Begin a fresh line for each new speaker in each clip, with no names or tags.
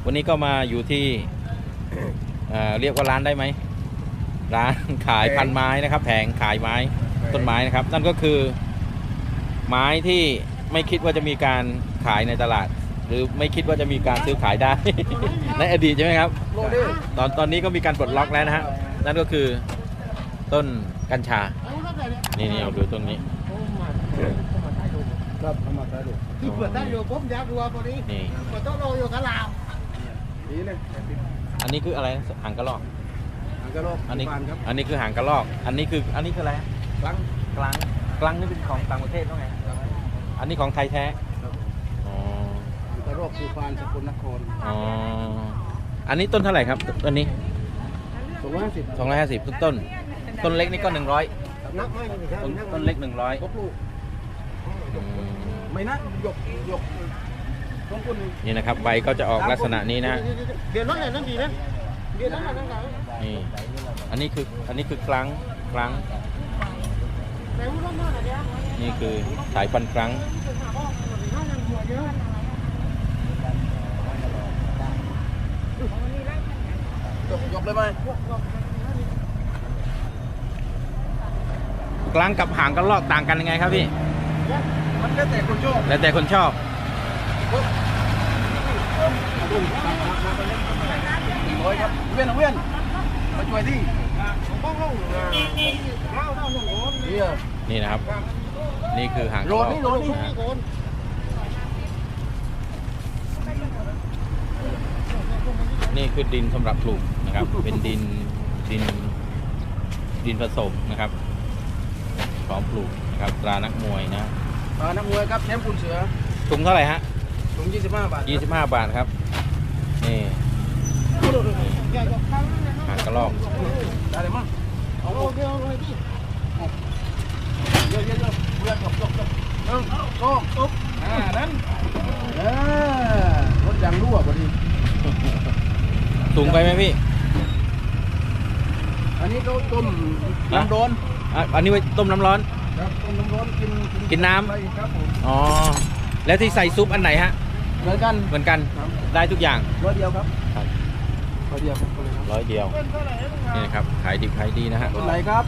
วันนี้ก็มาอยู่ที่เรียกว่าร้านได้ไหมร้านขายพันไม้นะครับแผงขายไม้ต้นไม้นะครับนั่นก็คือไม้ที่ไม่คิดว่าจะมีการขายในตลาด หรือไม่คิดว่าจะมีการซื้อขายได้ ในอดีตใช่ไหมครับตอนนี้ก็มีการปลดล็อกแล้วนะฮะนั่นก็คือต้นกัญชานี่เอาดูต้นนี้
ครับทำมาได้ดูที่เปิดได้อยู่ผมอยากดูตัวนี้
นี่
เปิดโต๊ะโลอยู่กับลาวนี่เลย
อันนี้คืออะไรหางกระรอก
หางกระรอก
อันนี้คือหางกระรอกอันนี้คืออะไรกลังนี่เป็นของต่างประเทศต้องไงอันนี้ของไทยแท้
กระรอกภูพานสกลนคร
อันนี้ต้นเท่าไหร่ครับต้นนี้
250
ต้นเล็กนี่ก็100
นักไม่
ต้นเล็ก100
ครบลูกไม่นักยก
นี่นะครับใบก็จะออกลักษณะนี้นะ
เดี๋ยวน้องนั่นดีนะเดี๋ยวน้องนั่น
นี่อันนี้คือกลังนี่คือสายพันธุ์กลัง
ยกเลยไหม
กลังกับหางกระรอกต่างกันยังไงครับพี่
มันแล้วแต่คนชอบ100ครับเวียนมาช่วยที่
นี่นะครับนี่คือหางกระรอกนี่คือดินสำหรับปลูกนะครับเป็นดินผสมนะครับพร้อมปลูกนะครับตรานักมวยนะ
ตรานักมวยครับแชมป์คุณเสือ
ถุงเท่าไหร่ฮะ
ถุง25 บาท
25 บาทครับนี่หางกระรอก
ได้เลยมั้งเอาเดี๋ยวเลยพี่เยอะเพื่อนจบตุ๊บนั้นรถยางรั่วพอดี
สูงไปไหมพี่
อันนี้ต้มน้ำร้อน
อันนี้ไว้ต้มน้ำร้อน
ครับต้มน้ำร้อน
กินน้
ำครับผม
อ๋อแล้วที่ใส่ซุปอันไหนฮะ
เหมือนกัน
ได้ทุกอย่าง
100 เดียวครับ100 เดียวครับ
100 เดียวนี่นะครับขายดีนะฮะ
ต้นไหนครับ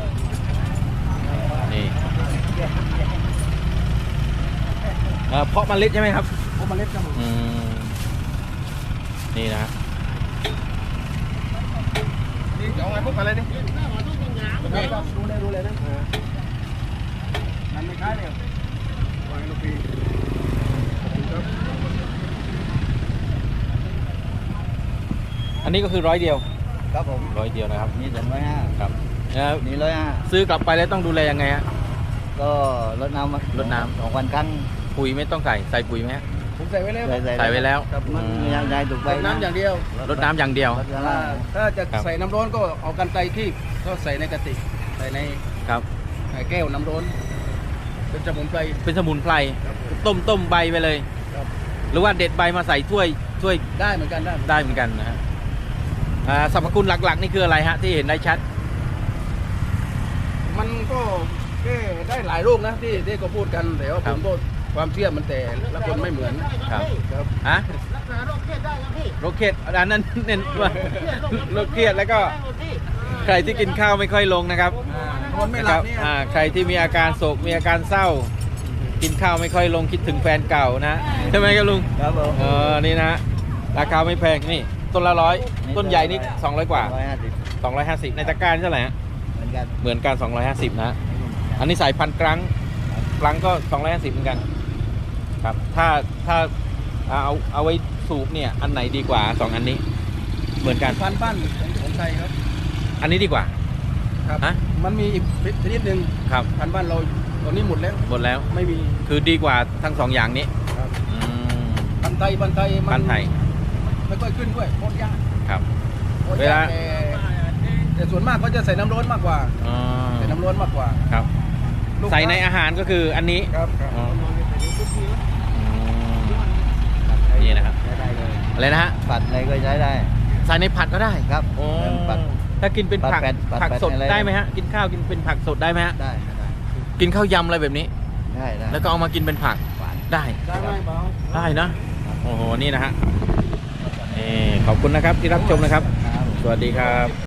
นี่เพาะเมล็ดใช่ไหมครับ
เพาะเมล็ดครับ
นี่นะ
นี่จะเอาไงพวกอะไรนี่ดูเลยนะมันไม่คล้ายเลยวางลูกปี
อันนี้ก็คือ100 เดียว
ครับผม
100 เดียวนะครับ
นี่150
ครับ
นี่150
ซื้อกลับไปแล้วต้องดูแลยังไงฮะ
ก็รดน้ำ2 วันครั้ง
ปุ๋ยไม่ต้องใส่ปุ๋ยไหม
ผมใส่ไว้แล้ว
ใส่ไว้แล้ว
มันยังไงถูกใบน้ำอย่างเดียว
รดน้ำอย่างเดียว
ถ้าจะใส่น้ำร้อนก็เอากันไกรคีบก็ใส่ในกระติกใส่ในแก้วน้ำร้อนเป็นสมุนไพร
ต้มใบไปเลยหรือว่าเด็ดใบมาใส่ถ้วย
ได้เหมือนกัน
นะฮะสรรพคุณหลักๆนี่คืออะไรฮะที่เห็นได้ชัด
มันก็แก้ได้หลายโรคนะที่ก็พูดกันแต่ว่าผมก็ความเชื่อมันแต่ละคนไม่เหมือน
ครับ
ฮะโรคเครียดได้ครับพี่
โรคเครียดอันนั้นเน้นว่าโรคเครียดแล้วก็ใครที่กินข้าวไม่ค่อยลงนะครับใครที่มีอาการโศกมีอาการเศร้ากินข้าวไม่ค่อยลงคิดถึงแฟนเก่านะใช่ไหมครับลุง
ครับผม
นี่นะราคาไม่แพงนี่ต้นละ100ต้นใหญ่นี่200 กว่า250ในตะกร้าเท่าไหร่ฮะเหมือนกัน250นะอันนี้สายพันธุ์กลังก็250เหมือนกันครับถ้าเอาไว้สูบเนี่ยอันไหนดีกว่า2อันนี้เหมือนกัน
พันบ้านของไทยครับ
อันนี้ดีกว่า
ครับมันมีอีกชนิดหนึ่ง
ครับ
พันบ้านเราตอนนี้หมดแล้วไม่มี
คือดีกว่าทั้ง2อย่างนี้
พันไทยไม่ค่อยขึ้นด้วยโคตรยาก
ครับเวลา
แต่ส่วนมากเขาจะใส่น้ำร้อนมากกว่า
ครับใส่ในอาหารก็คืออันนี้
ครับ
นี่นะครับอะไรนะฮะ
ผัดอะไรก็ใช้ได้
ใส่ในผัดก็ได้
ครับ
ถ้ากินเป็นผักสดได้ไหมฮะกินข้าวกินเป็นผักสดได้ไหมฮะ
ได้
กินข้าวยำอะไรแบบนี้
ได้
แล้วก็เอามากินเป็นผักได้นะโอ้โหนี่นะฮะขอบคุณนะครับที่รับชมนะครับ
ครับ
สวัสดีครับ